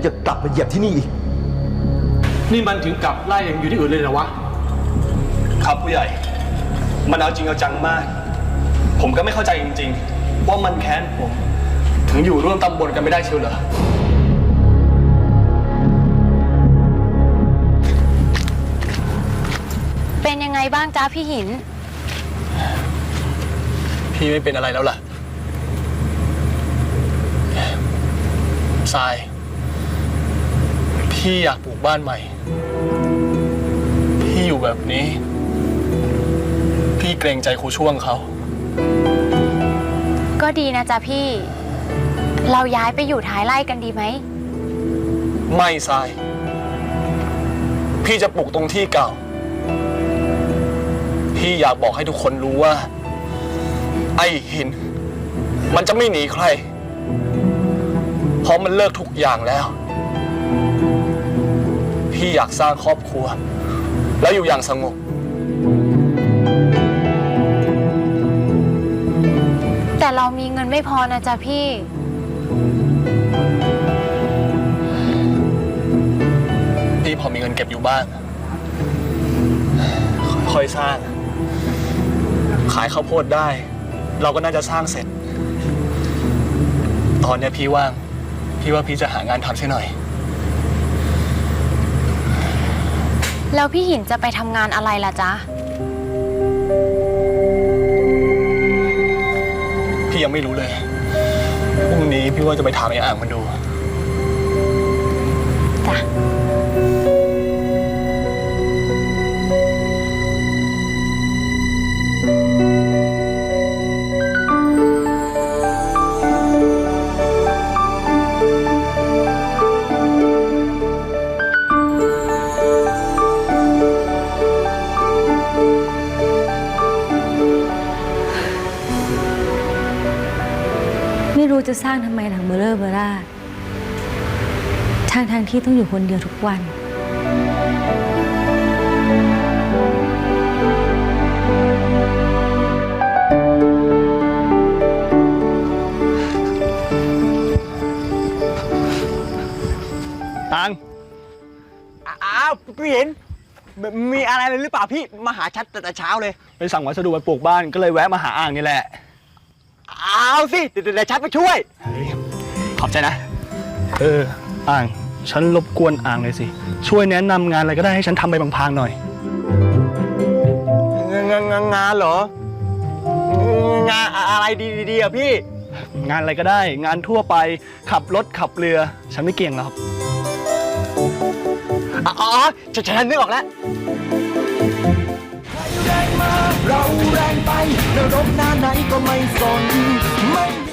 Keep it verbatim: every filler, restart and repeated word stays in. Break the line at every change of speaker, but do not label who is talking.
จะกลับมาเหยียบที่นี่อีก
นี่มันถึงกับไล่อย่างอยู่ที่อื่นเลยเหรอวะ
ครับผู้ใหญ่มันเอาจริงเอาจังมากผมก็ไม่เข้าใจจริงๆว่ามันแค้นผมถึงอยู่ร่วมตำบลกันไม่ได้เชียวเหรอ
เป็นยังไงบ้างจ้าพี่หิน
พี่ไม่เป็นอะไรแล้วล่ะทรายพี่อยากปลูกบ้านใหม่พี่อยู่แบบนี้พี่เกรงใจครูช่วงเขา
ก็ดีนะจ๊ะพี่เราย้ายไปอยู่ท้ายไร่กันดีไหม
ไม่ทรายพี่จะปลูกตรงที่เก่าพี่อยากบอกให้ทุกคนรู้ว่าไอ้หินมันจะไม่หนีใครเพราะมันเลิกทุกอย่างแล้วพี่อยากสร้างครอบครัวแล้วอยู่อย่างสงบ
แต่เรามีเงินไม่พอนะจ๊ะพี่
พี่พอมีเงินเก็บอยู่บ้างค่อยๆสร้างขายข้าวโพดได้เราก็น่าจะสร้างเสร็จตอนนี้พี่ว่างพี่ว่าพี่จะหางานทำใช่หน่อย
แล้วพี่หินจะไปทำงานอะไรล่ะจ๊ะ
พี่ยังไม่รู้เลยพรุ่งนี้พี่ว่าจะไปถามไอ้อ่างมันดู
จ้ะ
ไม่รู้จะสร้างทำไมหลังเบลอเบล่าทางทางที่ต้องอยู่คนเดียวทุกวัน
ตัง
อ้าวพี่เห็นมีอะไรเลยหรือเปล่าพี่มาหาชัดแต่เช้าเลย
ไปสั่งวัสดุมาปลูกบ้านก็เลยแวะมาหาอ่างนี่แหละ
เอาสิเดี๋ยวชัดไปช่วย
ขอบใจนะเอออ่างฉันรบกวนอ่างเลยสิช่วยแนะนำงานอะไรก็ได้ให้ฉันทำไปบางๆหน่อย
งานงานงานเหรองานอะไรดีๆอ่ะพี่
งานอะไรก็ได้งานทั่วไปขับรถขับเรือฉันไม่เก่งหรอก
อ๋อฉันฉันนึกออกแล้ว
เราแรงไปนรกหน้าไหนก็ไม่สนไม่